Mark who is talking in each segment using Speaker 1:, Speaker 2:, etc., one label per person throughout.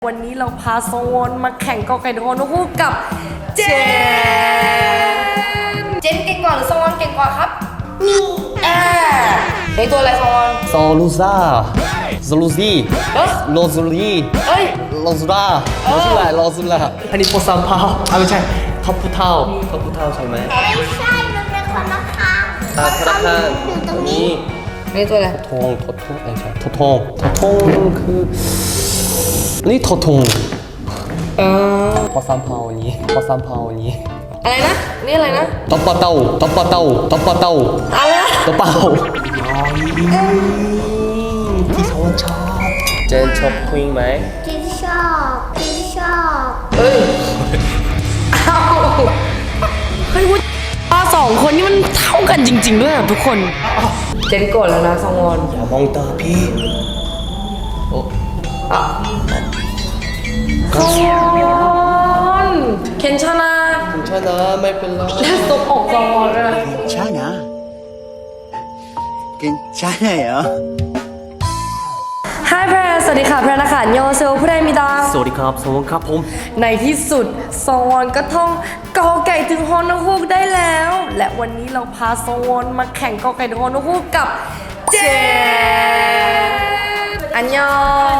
Speaker 1: วันนี้เราพาโซนมาแข่งกอไก่โฮนคู่กับเจนเก่งกว่าหรือโซนเก่งกว่าครับในตัวอะไรโซน
Speaker 2: โซลูซาโซลูซีโลซูลีโลซูราโลซูล่าอันนี้โปซัมพาวไม่ใช่ท็อปพุเท่าใช่ไหม
Speaker 3: ไม่ใช่มันเป็นคนละครั้ง
Speaker 2: ธนาคาร
Speaker 3: อยู่ตรงนี้
Speaker 1: ในตัวอะไร
Speaker 2: ทงไม่ใช่ทงคือนี่ทงโปซัมพาวนี้
Speaker 1: อะไรนะนี่อะไรนะ
Speaker 2: ต๊อปเต้า
Speaker 1: อะไรนะ
Speaker 2: ตัวเปล่าที่เขาชอบเจนชอบคุยไหม
Speaker 3: ที่ชอบ
Speaker 1: เฮ้ยสองคนนี้มันเท่ากันจริงๆด้วยทุกคนเจนกดแล้วนะซองวอน
Speaker 2: อย่ามองตาพี่โอ้
Speaker 1: ซองวอนเคนชนะ
Speaker 2: ไม่เป็นไร
Speaker 1: แล้วตบอกซองวอนด้วย
Speaker 4: 괜찮아요.
Speaker 1: Hi แพรสวัสดีค่ะแพรนะคะโยเซลผู้ใดมีดา
Speaker 2: สวัสดีครับสวัสดีครับผม
Speaker 1: ในที่สุดซองวอนก็ท่องกอไก่ถึงฮอนฮูกได้แล้ว และวันนี้เราพาซองวอนมาแข่งกอไก่ถึงฮอนฮูกกับเจนอันยอง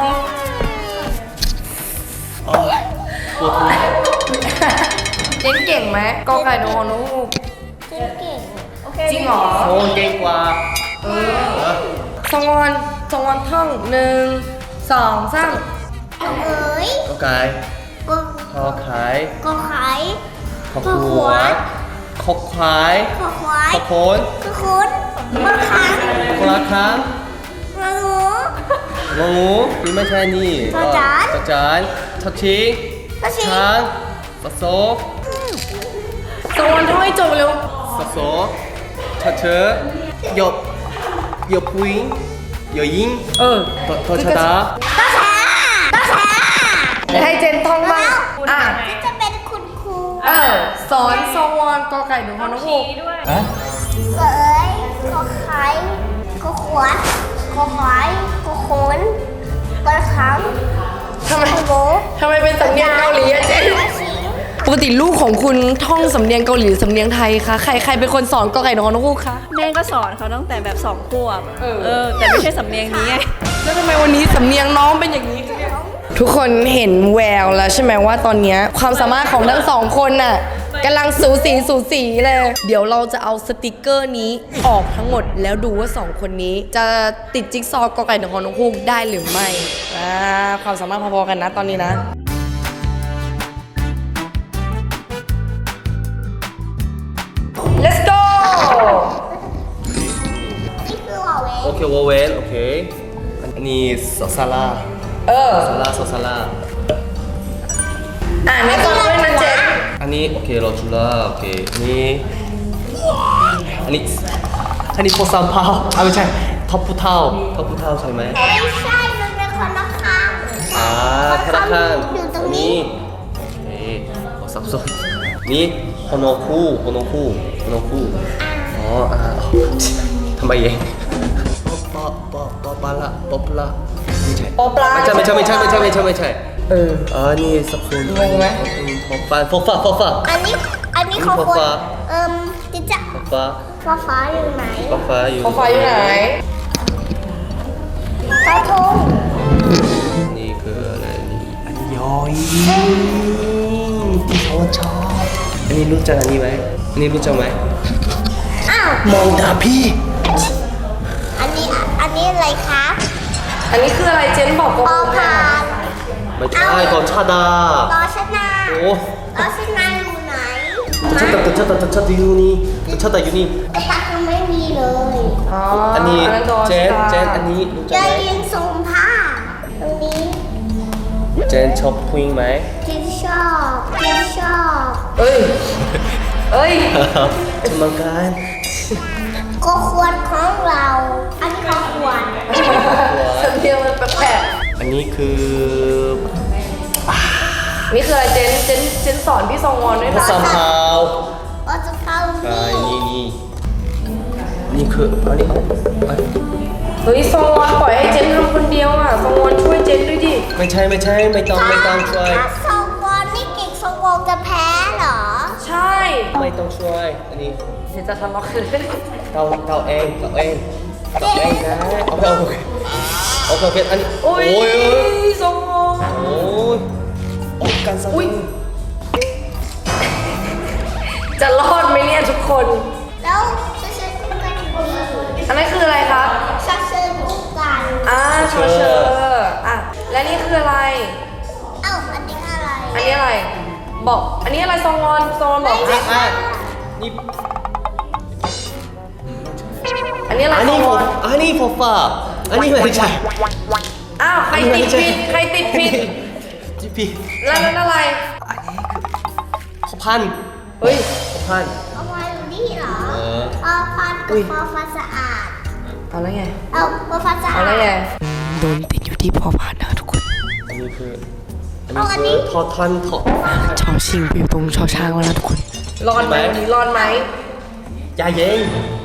Speaker 1: เจนเก่งไหมกอไก่ถึงฮอนฮูก
Speaker 3: เก่งโอเค
Speaker 1: จริงเหรอ
Speaker 2: โอ้เก่งกว่า
Speaker 1: ซองวอนท่อง1 2 3
Speaker 3: เอ๋ย
Speaker 2: ก็ไก่
Speaker 3: ก็
Speaker 2: ขอขาย
Speaker 3: ก็ขาย
Speaker 2: ขอขวดขอควาย
Speaker 3: ก็ควาย
Speaker 2: ขอโคน
Speaker 3: ก็คุณมาขัง
Speaker 2: คนละครั้ง
Speaker 3: มาหนู
Speaker 2: งูนี่ไม่ใช่นี่จานชอชิงช้างสะโซ
Speaker 1: ซองวอนท่องให้จบเร็ว
Speaker 2: สะโซชอเชอหยบพุยหยบยิงทอชดา
Speaker 1: ให้เจนท่องบ้าง
Speaker 3: ที่จะเป็นคุณครู
Speaker 1: สอนซองวอนกอไก่ถึงฮอนฮูก
Speaker 3: เอ๋ยก็ขายก็ขวดก็ควายก็คุณก็ขัง
Speaker 1: ทำไม
Speaker 3: โบ
Speaker 1: เป็นสำเนียงเกาหลีอะเจนปกติลูกของคุณท่องสำเนียงเกาหลีสำเนียงไทยคะใครเป็นคนสอนกอไก่ถึงฮอนฮูกคะ
Speaker 5: แม่ก็สอนเขาตั้งแต่แบบ2 ขวบแต่ไม่ใช่สำเนียงนี้ไง
Speaker 1: แล้วทำไมวันนี้สำเนียงน้องเป็นอย่างนี้ ทุกคนเห็นแววแล้วใช่ไหมว่าตอนนี้ความสามารถของทั้งสองคนน่ะกำลังสูสีเลย เดี๋ยวเราจะเอาสติกเกอร์นี้ออกทั้งหมดแล้วดูว่า2คนนี้จะติดจิ๊กซอว์กอไก่ถึงฮอนฮูกได้หรือไม่ความสามารถพอๆกันนะตอนนี้นะLet's go
Speaker 3: นี่คือหัวเว่ย
Speaker 2: โอเควอเวนโอเคอันนี้ซาลาซาลา
Speaker 1: อ่านไม่ต้องด้วยนะเจน
Speaker 2: อันนี้โอเคโรจูล่าโอเคอันนี้โปซัมพาวไม่ใช่ท็อปพุเท่าใช่ไหม
Speaker 3: ไม่ใช่มันเป็นคนละครั้ง
Speaker 2: ธนาคาร
Speaker 3: อยู่ตรงนี้
Speaker 2: โอเคสับสนนี่โฮโนคูทำไมเองปอปลาไม่ใช่
Speaker 1: ปอปลา
Speaker 2: ไม่ใช่นี่สับสน
Speaker 1: งงไหม
Speaker 2: ฟอฟ้า
Speaker 3: อันนี้เขาคนจะฟ้าอยู่ไหน
Speaker 2: ฟ้าอยู่
Speaker 1: ปอไฟอยู่ไหน
Speaker 3: กระทง
Speaker 2: นี่คืออะไรนี่อันยอยที่เขาชอบอันนี้รู้จักอันนี้ไหม
Speaker 3: อ้าว
Speaker 2: มองตาพี่
Speaker 3: อันนี้อะไรคะ
Speaker 1: อันนี้คืออะไรเจนบอก
Speaker 3: ออพาน
Speaker 2: ไม่ใช่ตอนชาดาร
Speaker 3: อชนะ
Speaker 2: โอ้
Speaker 3: รอชนะอยู่ไหน
Speaker 2: ชาดอยู่นี่ชาดอยู่นี่
Speaker 3: กระตักยังไม่มีเลย
Speaker 2: อันนี้เจนอันนี้รู้จัก
Speaker 3: จะ
Speaker 2: ไหม
Speaker 3: ยิงทรงผ้าตรงนี้
Speaker 2: เจนชอบผู้หญิงไหม
Speaker 3: ที่ชอบ
Speaker 1: เอ้ย
Speaker 2: จะมากัน
Speaker 3: ก็ควรของเรา อันนี้ก็ควร
Speaker 1: สำเนียงมันแปลก
Speaker 2: อันนี้คือ
Speaker 1: ๆนี่คืออะไรเจนสอนพี่ซองวอนด้วย
Speaker 2: ภา
Speaker 1: นะ
Speaker 2: ษาพาว
Speaker 3: ก็จะเข้า
Speaker 2: ใช่
Speaker 3: นี่
Speaker 2: นี่คืออันนี้
Speaker 1: เฮ้ยซองวอนปล่อยให้เจนทำคนเดียวอ่ะซองวอนช่วยเจนด้วยดิ
Speaker 2: ไม่ใช่ไม่ต้องช่วย
Speaker 3: ถ้าสองคนนี่เก่งสองคนจะแพ้เหรอ
Speaker 1: ใช่
Speaker 2: ไม่ต้องช่วยอันนี้
Speaker 1: เดี๋ยวจะทะเลาะกัน
Speaker 2: เราเองนะโอเคอันนี้
Speaker 1: โอ้ย
Speaker 2: โอ้ย
Speaker 1: ซองวอน
Speaker 2: โอ้ยโอ้ยกันสัก
Speaker 1: อุ้ยจะรอดไหมเนี่ยทุกคน
Speaker 3: แล้วจะเชิญคู่กันดี
Speaker 1: อันนั้นคืออะไรครับ
Speaker 3: จะเชิญคู่กัน
Speaker 1: เชออ่ะและนี่คืออะไร
Speaker 3: เอ้าอันนี้อะไร
Speaker 1: อันนี้อะไร บอก อันนี้อะไรซองวอนบอก
Speaker 2: นี่
Speaker 1: อันนี้อะไร
Speaker 2: อัน
Speaker 1: ซ
Speaker 2: นี้
Speaker 1: อง
Speaker 2: ฟ
Speaker 1: ว
Speaker 2: อ
Speaker 1: อน
Speaker 2: อันนี้ฟอฟ้าอันนี้ไม่ใช่
Speaker 1: อ้าวใครติดผิดใครติดผิด
Speaker 2: จีพี
Speaker 1: แล้วนั่นอะไร
Speaker 2: พอพัน
Speaker 1: เฮ้ย
Speaker 2: พอพัน
Speaker 3: เอาไว้อยู่นี่เหรอ
Speaker 2: เออ
Speaker 3: พอฟันกับพอฟันสะอาด
Speaker 1: เอาแล้วไง
Speaker 3: เอาพอฟันสะ
Speaker 1: เอา
Speaker 3: อาด
Speaker 1: แล้วไงโดนติดอยู่ที่พอพานนะทุกคน
Speaker 2: อันนี้คือ
Speaker 3: เอาอันนี้
Speaker 2: ทอทันทอ
Speaker 1: ชอชิงไปอยู่ตรงชอช้างแล้วนะทุกคนรอดไหมวันนี้รอดไหม
Speaker 2: ยาเย็น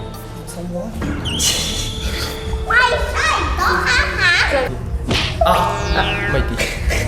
Speaker 3: ไม่ใช่ต้องข้ามหา
Speaker 2: อ่ะไม่ดี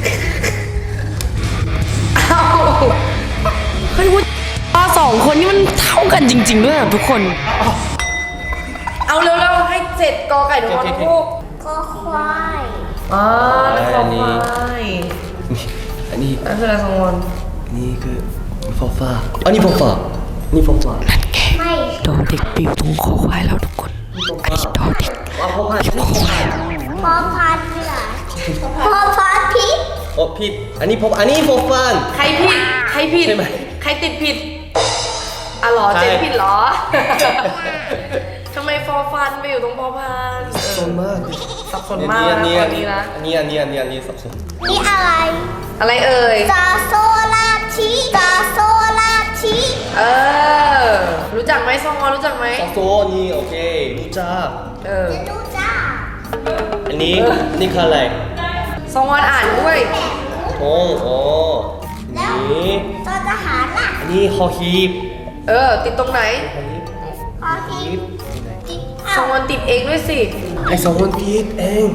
Speaker 1: อ้าวเฮ้ยวุ้ยปลาสองคนนี่มันเท่ากันจริง ๆ ด้วยอ่ะทุกคน เอาเร็วๆให้เสร็จกอไก่ถึงวันพูก
Speaker 3: ก็ควาย
Speaker 1: แล้วคอควาย
Speaker 2: อันนี้
Speaker 1: นั่นคืออะไรสองวัน
Speaker 2: อันนี้คือฟอฟ้าอันนี้ฟอฟ้านี่ฟอฟ้า
Speaker 3: ไม่
Speaker 1: ดอเด็กไปอยู่ตรงคอควายแล้วทุกคนอันนี้ดอเด็ก
Speaker 2: ว่าพอพัน
Speaker 1: อยู่คอควาย
Speaker 3: พอพันเหรอพอพันพิษ
Speaker 2: โอ้ผิดอันนี้อันนี้ฟอฟ้า
Speaker 1: ใครผิด ใครผิด
Speaker 2: ใช่ไหม
Speaker 1: ใครติดผิดอ่ะเหรอ
Speaker 2: ใช่
Speaker 1: เจนผิดเหรอ ทำไมฟอร์ฟันไปอยู่ตรงพอพาน
Speaker 2: สับสนมาก
Speaker 1: สับสนมากนะตอนนี้นะ
Speaker 2: อันนี้สับสน
Speaker 3: นี่อะไร
Speaker 1: อะไรเอ่ย
Speaker 3: จาโซลาชิจาโซลาชิ
Speaker 1: เออ รู้จักไหมซองวอนรู้จักไหม
Speaker 2: ซอโซนี่โอเครู้จัก
Speaker 1: เออ
Speaker 3: จะดูจ้า
Speaker 2: อันนี้นี่คืออะไร
Speaker 1: ซองวอนอ่านด้วย
Speaker 2: โอ้อันนี้
Speaker 3: จอทหารล่ะ
Speaker 2: อันนี้ฮอฮีบ
Speaker 1: เออ ติดตรงไหน
Speaker 3: พอพิษจิต
Speaker 1: ซองวอนติดเองด้วยสิ
Speaker 2: ไอสองคนผิดเอง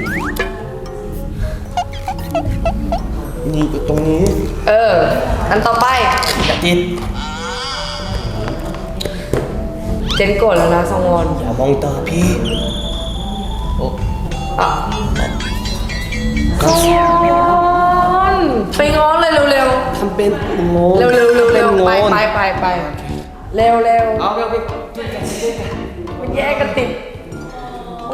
Speaker 2: นี่อยู่ตรงนี้
Speaker 1: เออ อันต่อไป
Speaker 2: อย่าติด
Speaker 1: เจนโกรธแล้วนะซองวอน
Speaker 2: อย่ามองตาพี่โอ้
Speaker 1: อ่ะซองวอนไปง้อเลยเร็ว
Speaker 2: ทำเป็นงง
Speaker 1: ๆเร็วๆไปเร็ว
Speaker 2: เอาไป
Speaker 1: ๆมันแยกกันติด โอ้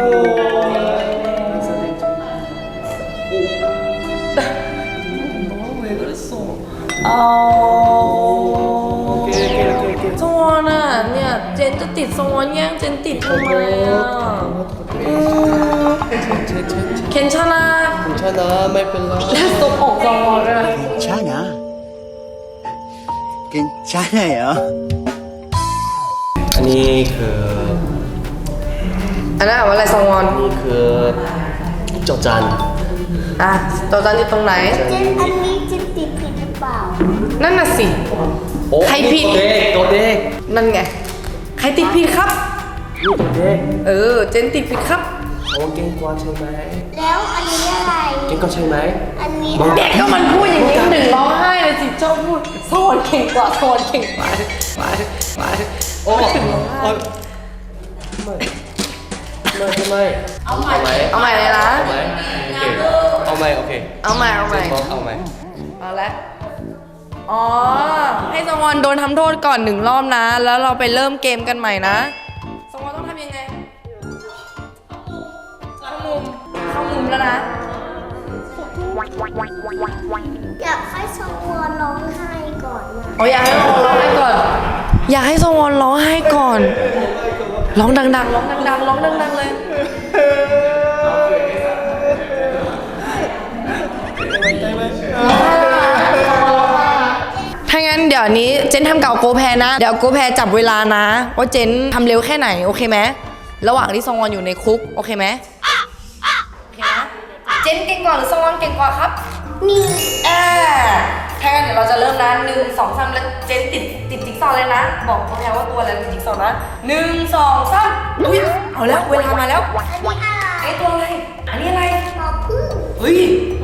Speaker 1: เอา
Speaker 2: โอเค
Speaker 1: สวอนอ่ะเนี่ยเจนจะติดสวอนแย่งเจนติดทำไมอ่ะเคนชนะ
Speaker 2: คุณชนะไม่เป็นไร
Speaker 1: และตบออกสวอนเลย
Speaker 4: 괜찮아. 괜찮아요.
Speaker 2: อันนี้คือ
Speaker 1: อันนั้นว่าอะไรสวอน
Speaker 2: นี่คือจอจัน
Speaker 1: อ่ะตัวจันอยู่ตรงไหน
Speaker 3: เจนอันนี้จิตติดผิดหรือเปล่า
Speaker 1: นั่นน่ะสิ
Speaker 2: โอ้
Speaker 1: ใครผิด
Speaker 2: ตัวเด็ก
Speaker 1: นั่นไง ใครติดผิดครับ
Speaker 2: นี่ตัวเด็ก
Speaker 1: เออ เจนติดผิดครับ
Speaker 2: โอ้เก่งกว่าใช่ไหม
Speaker 3: แล้วอันนี้อะไร
Speaker 2: เก่งกว่าใช่ไหม
Speaker 3: อันนี้
Speaker 1: เด็กก็มันพูดอย่างนี้หนึ่งร้องไห้เลยสิชอบพูดสวอนเก่งกว่าสวอนเก่งกว่าไป
Speaker 2: โอ้
Speaker 1: ถึงร้องไห้
Speaker 2: ไม่เอาใหม่
Speaker 1: เอาใหม่เลยนะ
Speaker 2: เอาใหม่โอเค
Speaker 1: เอาใหม่
Speaker 2: เอาใหม่
Speaker 1: เอาละอ๋อ ให้สวอนโดนทำโทษก่อนหนึ่งรอบนะ แล้วเราไปเริ่มเกมกันใหม่นะสวอนต้องทำยังไง เข้ามุมแล้วนะ
Speaker 3: อยากให้สวอนร้องไห้ก่อนนะ
Speaker 1: อ๋ออยากให้สวอนร้องไห้ก่อน อยากให้สวอนร้องไห้ก่อน ร้องดังๆ ร้องดังๆ ร้องดังๆเลย ถ้างั้นเดี๋ยวนี้เจนทำเก่าโกแพนะ เดี๋ยวโกแพจับเวลานะ ว่าเจนทำเร็วแค่ไหนโอเคไหมระหว่างที่ซองวอนอยู่ในคุกโอเคไหมโอเคนะเจนเก่งกว่าหรือซองวอนเก่งกว่าครับ
Speaker 3: นี่
Speaker 1: อ่าถ้างั้นเดี๋ยวเราจะเริ่มนะ1 2 3แล้วเจนติดจิ๊กซอว์เลยนะ บอกพ่อแพรว่าตัวอะไรติดจิ๊กซอว์นะ1 2 3อุ้ยเอาแล้วเวลามาแล้ว
Speaker 3: อันนี้อะไร
Speaker 1: ไอ้ตัวอะไรอันนี้อะไร
Speaker 3: หมอพึ่ง
Speaker 1: เฮ้ย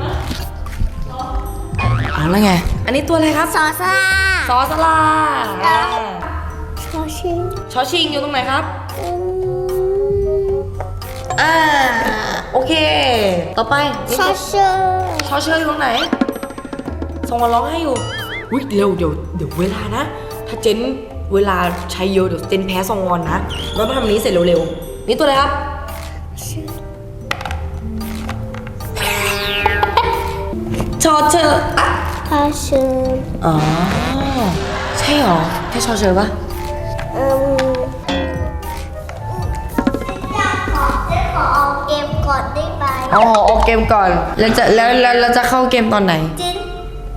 Speaker 1: เอาแล้วไงอันนี้ตัวอะไรครับ
Speaker 3: ซอสลา
Speaker 1: ซอสลา
Speaker 3: ชอชิง
Speaker 1: ชอชิงอยู่ตรงไหนครับโอเค ต่อไป
Speaker 3: ชอเชอร์
Speaker 1: ชอเชอร์อยู่ตรงไหนส่งมาร้องให้อยู่อุ้ยเร็วเดี๋ยวเวลานะ ถ้าเจนเวลาใช้เยอะเดี๋ยวเจนแพ้ซองวอนนะเราต้องทำอันนี้เสร็จเร็วๆนี่ตัวอะไรครับชอเชอร์อ่ะ
Speaker 3: ชอเชอร์
Speaker 1: อ๋อใช่เหรอแค่ชอเชอร์ปะ
Speaker 3: ขอเอาเกมก่อนได้ไหม
Speaker 1: อ๋อออกเกมก่อนแล้วจะเข้าเกมตอนไหน
Speaker 3: จิน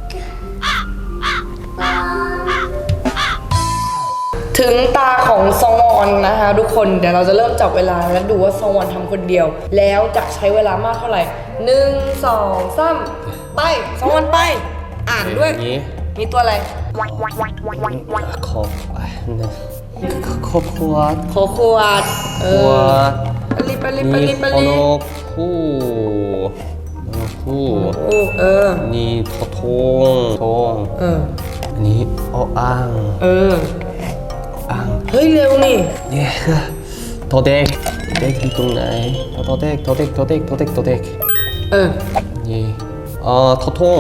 Speaker 1: ถึงตาของซองวอนนะคะทุกคนเดี๋ยวเราจะเริ่มจับเวลาแล้วดูว่าซองวอนทำคนเดียว แล้วจะใช้เวลามากเท่าไหร่1 2 3ไปซองวอนไป อ่านด้วย
Speaker 2: อย่างนี้
Speaker 1: มีตัวอะไร
Speaker 2: ขอบขอบขวด
Speaker 1: โคขวดเอ
Speaker 2: ขว
Speaker 1: อ
Speaker 2: ด
Speaker 1: ปลีปลีป
Speaker 2: นี่
Speaker 1: ลีป
Speaker 2: โอ
Speaker 1: ลี
Speaker 2: โนคู่โอโนคู่
Speaker 1: โอ้เออ
Speaker 2: นี่ทง
Speaker 1: เออ
Speaker 2: อันนี้อ้าง
Speaker 1: เออ
Speaker 2: อ้าง
Speaker 1: เฮ้ยเร็วนี่
Speaker 2: เนี่ยคือตัวเด็กอยู่ตรงไหนตัวเด็ก
Speaker 1: เออ
Speaker 2: นี่ทอทุ่ง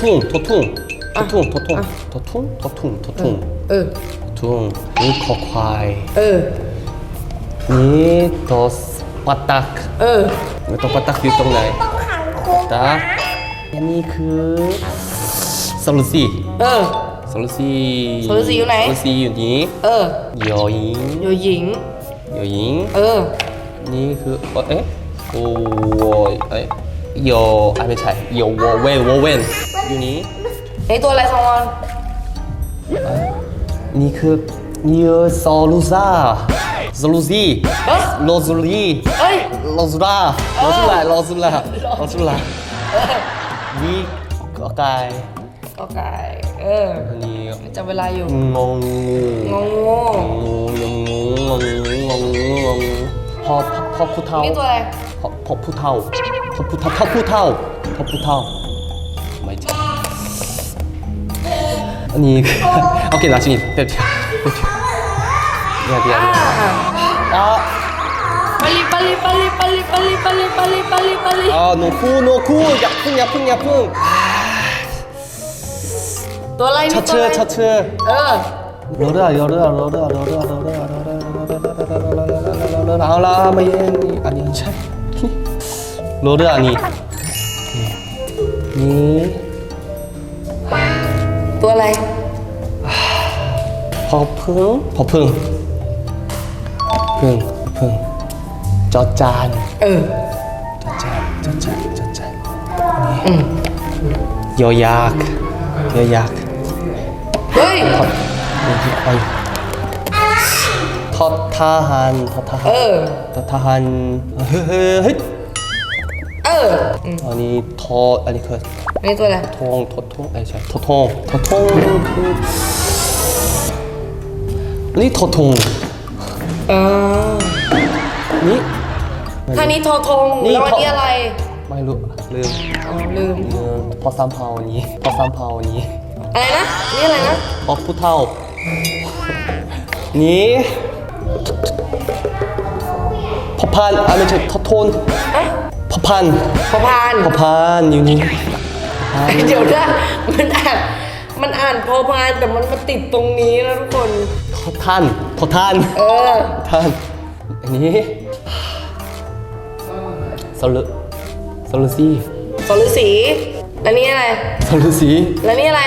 Speaker 2: นี่คอควาย
Speaker 1: เออ
Speaker 2: นี่ตัวปัตตัก
Speaker 1: เออ
Speaker 2: ตัวปัตตักอยู่ตรงไหน
Speaker 3: ต้องขังคุก
Speaker 2: ตาอันนี้คือสรุสี
Speaker 1: เออ
Speaker 2: สรุสี
Speaker 1: สรุสีอยู่ไหน
Speaker 2: สรุสีอยู่นี้
Speaker 1: เออย
Speaker 2: อหญิง
Speaker 1: โยหญิง
Speaker 2: ยอหญิง
Speaker 1: เออ
Speaker 2: นี่คือโอ้ยอไม่ใช่ยอวอเวนอยู่นี้
Speaker 1: ไอตัวอะไรซองวอน
Speaker 2: นี่คือนี่ซอลูซ่าซอลูซี
Speaker 1: เอ้ย
Speaker 2: โลซูลี
Speaker 1: เอ้ย
Speaker 2: โลซูลานี่ก็ไก่
Speaker 1: ก็ไก่เออ
Speaker 2: อันนี้
Speaker 1: จับเวลาอยู่
Speaker 2: งงงู
Speaker 1: ง
Speaker 2: พอผู้เฒ่า
Speaker 1: นี่ตัวอะไร
Speaker 2: พอผู้เฒ่าไม่ใช่อันนี้โอเค나중에เดี๋ยว
Speaker 1: ปลี
Speaker 2: 노쿠 약풍
Speaker 1: ตัวอะไรนี่ตัวอะไร
Speaker 2: 차츠
Speaker 1: เออ
Speaker 2: 러르아 아라 마이 아니 차 러르 아니 니
Speaker 1: ตัวอะไร
Speaker 2: 버풍 쩌짠
Speaker 1: เออ
Speaker 2: 쩌짠 여약
Speaker 1: เฮ้ย
Speaker 2: 터타한
Speaker 1: เออ
Speaker 2: 헷
Speaker 1: เออ
Speaker 2: 아니 아니 그
Speaker 1: นี่ตัวอะไร
Speaker 2: 토통 아니 저 토통 그นี่토통
Speaker 1: เออ
Speaker 2: นี่
Speaker 1: ท่านี้ทอทง
Speaker 2: นี่
Speaker 1: แล้วอันนี้อะไร
Speaker 2: ไม่รู้ลืม
Speaker 1: อ๋อลืม
Speaker 2: พอ3 เผานี้
Speaker 1: อะไรนะ นี่อะไรนะ
Speaker 2: พอผู้เฒ่านี่พอพันไม่ใช่ทอทน
Speaker 1: เอ๊ะ
Speaker 2: พอพัน
Speaker 1: พอพาน
Speaker 2: อยู่นี่
Speaker 1: เดี๋ยวนะมันอ่านพอพานแต่มันมาติดตรงนี้นะทุกคน
Speaker 2: ทอท่าน
Speaker 1: เออ
Speaker 2: ท่านอันนี้สลุซี่
Speaker 1: สรุสีแล้วนี่อะไร
Speaker 2: สลุสี
Speaker 1: แล้วนี่อะไร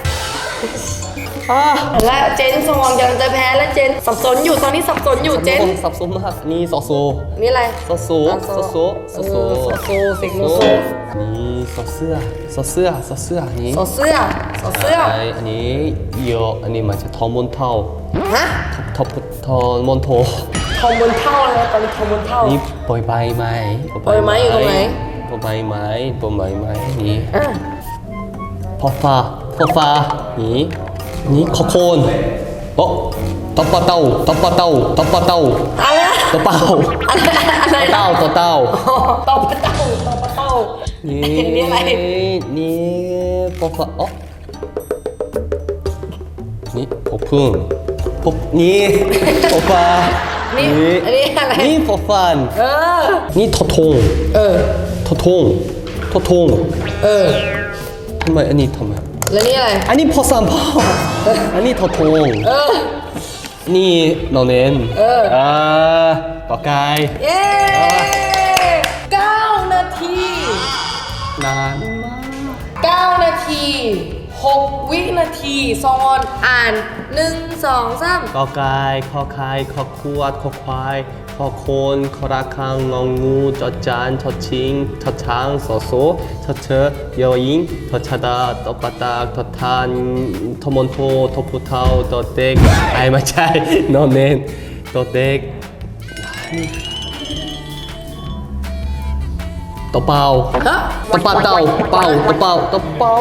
Speaker 1: และเจนสมองกำลังจะแพ้แล้วเจนสับสนอยู่ตอนนี้สับสนอยู่เจน
Speaker 2: สับสนมากนี่ซอโซ
Speaker 1: นี่อะไร
Speaker 2: ซอโซ
Speaker 1: เสกโลโซ
Speaker 2: นี่ซอเสื้อนี่
Speaker 1: สอเสื้อ
Speaker 2: อันนี้เยอะอันนี้มันจะทอมอนเท่า
Speaker 1: ฮะ
Speaker 2: ทอมอนโท
Speaker 1: ทอมบนเท่าอะไรตอนนี้ทอมบนเท่า
Speaker 2: นี่ปล่อยใบไม้
Speaker 1: ปล่อยไม้อยู่ตรงไหน
Speaker 2: ปล่อยใบไม้นี่
Speaker 1: อ่ะ
Speaker 2: พอฟ้าพอฟ้านี่นี่คอโคนโอ้ตบปะเต้าตบปะเต้าตบปะเต้า
Speaker 1: อะไรนะ
Speaker 2: ตบเป้า
Speaker 1: อะไร
Speaker 2: เต้าตัวเต้า
Speaker 1: ตบปะเต้าตบปะเต้า
Speaker 2: นี่
Speaker 1: นี่อะไร
Speaker 2: นี่พอฟ้าอ๋อนี่พอพึ่งพบนี่พอฟ้า
Speaker 1: นี่อันนี้อะไร
Speaker 2: นี่พอฟัน
Speaker 1: เออ
Speaker 2: นี่ทอทง
Speaker 1: เออ
Speaker 2: ทอทงทอทง
Speaker 1: เออ
Speaker 2: ทำไมอันนี้ทำไม
Speaker 1: แล้วนี่อะไร
Speaker 2: อันนี้พอสามพ่ออันนี้ทอทง
Speaker 1: เออ
Speaker 2: นี่นอนเนน
Speaker 1: เออ
Speaker 2: กอไก่
Speaker 1: เย้9 นาที
Speaker 2: นานมาก
Speaker 1: 9 นาที 6 วินาทีซอนอ่าน 1 2 3
Speaker 2: กอไก่ขอไข่ขอขวดขอควายขอโคนขอระฆังงองูจอจานชอชิงชอช้างสอโซชอเชอยอยิงทอชะดาตอปะตากทอทานทอมอนโททอผู้เฒ่าตอเด็กไอ้ไม่ใช่นอนเนนตอเด็กตอเป่า
Speaker 1: ฮะ
Speaker 2: ตอปะเต่าเป่าตอเป่าตอเป่า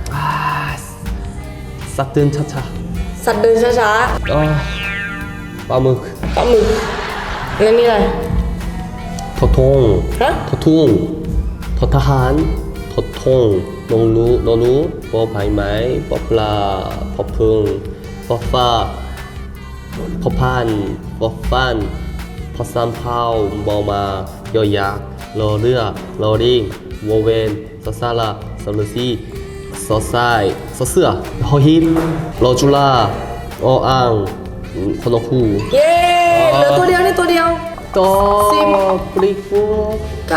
Speaker 2: สัตว์เดินช้า
Speaker 1: สัตว์เดินช้า
Speaker 2: ๆปลาหมึก
Speaker 1: ๆปลาหมึกแล้วนี่อะไร
Speaker 2: ทอทง
Speaker 1: ฮะ
Speaker 2: ทอทุ่งทอทหารทอทงนงรู้นนูปอใบไม้ปอปลาปอพึ่งปอฟ้าปอพันปอฟันปอสามเผามอมายอยักษ์รอเรือรอริงวอเวนสอสาราสอฤษีสอไซสอเสือหอหินรอจุฬาออ่างคอนคู
Speaker 1: เย้เหลือตัวเดียวนี่ตัวเดียว
Speaker 2: ต่อ
Speaker 1: สิบ
Speaker 2: ปลิกฟู
Speaker 1: 9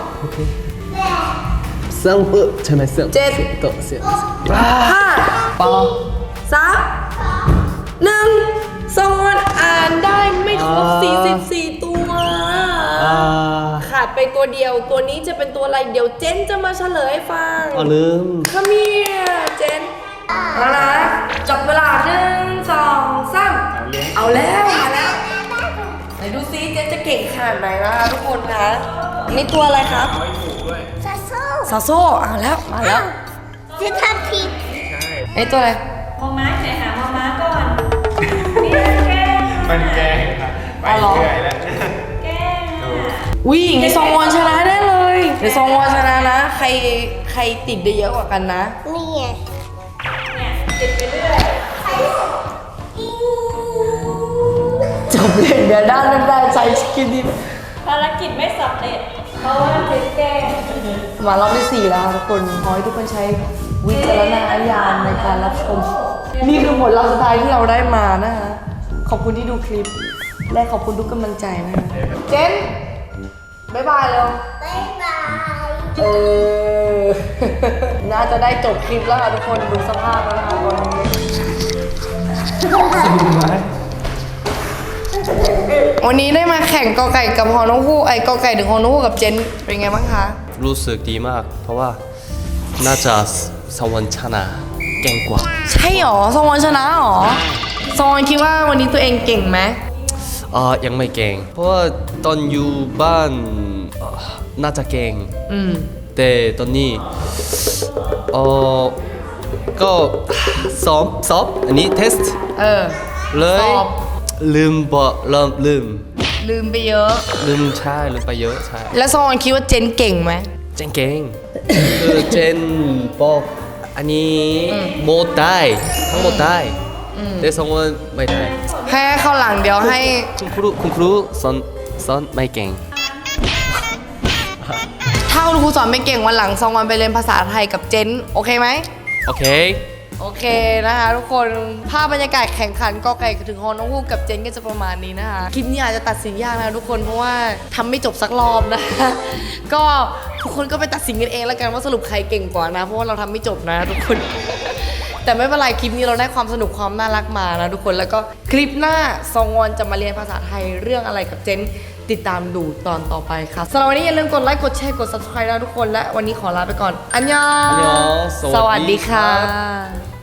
Speaker 2: สังเปิดใช่ไหมสัง
Speaker 1: เจ็ด
Speaker 2: ต่อเสีย
Speaker 1: 5
Speaker 2: ปา
Speaker 1: 3 1ซอนอ่านได้ไม่ครบ 44 ตัว ขาดไปตัวเดียว ตัวนี้จะเป็นตัวอะไร เดี๋ยวเจนจะมาเฉลยให้ฟัง
Speaker 2: เอาลืม
Speaker 1: ขมีเจนเอานะจับเวลา1 2 3เอาแล้วมาแล้วไหนดูซิเจนจะเก่งขนาดไหนนะคะทุกคนนะนี่ตัวอะไรครับ
Speaker 3: ซาโซ่
Speaker 1: ซาโซ่เอาแล้วมาแล้ว
Speaker 3: จะทำผิด
Speaker 1: ไอ้ตัวอะไร
Speaker 5: มอม้าใส่หามอม้าก่อนนี่แกล้ง
Speaker 6: มันแกล้งครับไปเรื่อยแล้ว
Speaker 5: แกล้งอะ
Speaker 1: วิ่งในซองวอนชนะได้เลยในซองวอนชนะนะ ใครติดได้เยอะกว่ากันนะ
Speaker 3: นี่ไง
Speaker 5: เนี่ยติดไปเรื่อย
Speaker 1: จบเลยเดี๋ยวด้านนั้นได้ใจสกินดิ
Speaker 5: ภารกิจไม่สำเร็จ เพราะว่าติดแกล้ง
Speaker 1: มารอบที่ 4 แล้วค่ะทุกคนขอให้ทุกคนใช้วิจารณญาณในการรับชม นี่คือผลลัพธ์สุดท้ายที่เราได้มานะคะขอบคุณที่ดูคลิป และขอบคุณทุกกำลังใจนะคะเจนบ๊ายบายเร็ว
Speaker 3: บ๊ายบาย
Speaker 1: เออ น่าจะได้จบคลิปแล้วค่ะทุกคนดูสภาพแล้วนะคะตอนนี้วันนี้ได้มาแข่งกอไก่กับฮอนกฮูกไอ้กอไก่ถึงฮอนกฮูกกับเจนเป็นไงบ้างคะ
Speaker 2: รู้สึกดีมาก เพราะว่าน่าจะสวรรค์ชนะเก่งกว่า
Speaker 1: ใช่หรอซองวอนชนะหรอซองวอนคิดว่าวันนี้ตัวเองเก่งไหม
Speaker 2: ยังไม่เก่ง เพราะว่าตอนอยู่บ้านน่าจะเก่ง
Speaker 1: อืม
Speaker 2: แต่ตอนนี้ก็ซ้อมอันนี้เทสต์
Speaker 1: เออ
Speaker 2: เลย
Speaker 1: สอบ
Speaker 2: ลืม
Speaker 1: ลืมไปเยอะ
Speaker 2: ลืมใช่ลืมไปเยอะใช่
Speaker 1: แล้วซองวอนคิดว่าเจนเก่งไหม
Speaker 2: เจนเก่ง คือเจนบอกอันนี้หมดได้ทั้งหมดได้แต่สองคนไม่ได้
Speaker 1: ให้เข้าหลังเดี๋ยวให้
Speaker 2: คุณครูสอนไม่เก่ง
Speaker 1: ถ้าคุณครูสอนไม่เก่งวันหลังซองวอนไปเรียนภาษาไทยกับเจนโอเคไหม
Speaker 2: โอเค
Speaker 1: โอเคนะคะทุกคนภาพบรรยากาศแข่งขันกอไก่ถึงฮอนกฮูกกับเจนก็จะประมาณนี้นะคะคลิปนี้อาจจะตัดสินยากนะทุกคนเพราะว่าทำไม่จบสักรอบนะ ก็ทุกคนก็ไปตัดสินกันเองแล้วกันว่าสรุปใครเก่งกว่านะเพราะว่าเราทำไม่จบนะทุกคน แต่ไม่เป็นไรคลิปนี้เราได้ความสนุกความน่ารักมานะทุกคนแล้วก็คลิปหน้าซองวอนจะมาเรียนภาษาไทยเรื่องอะไรกับเจนติดตามดูตอนต่อไปค่ะสำหรับวันนี้อย่าลืมกดไลค์กดแชร์กด subscribe นะทุกคนและวันนี้ขอลาไปก่อนอันยอง
Speaker 2: อันยอง
Speaker 1: สวัสดีค่ะ
Speaker 2: สวัสดีครับ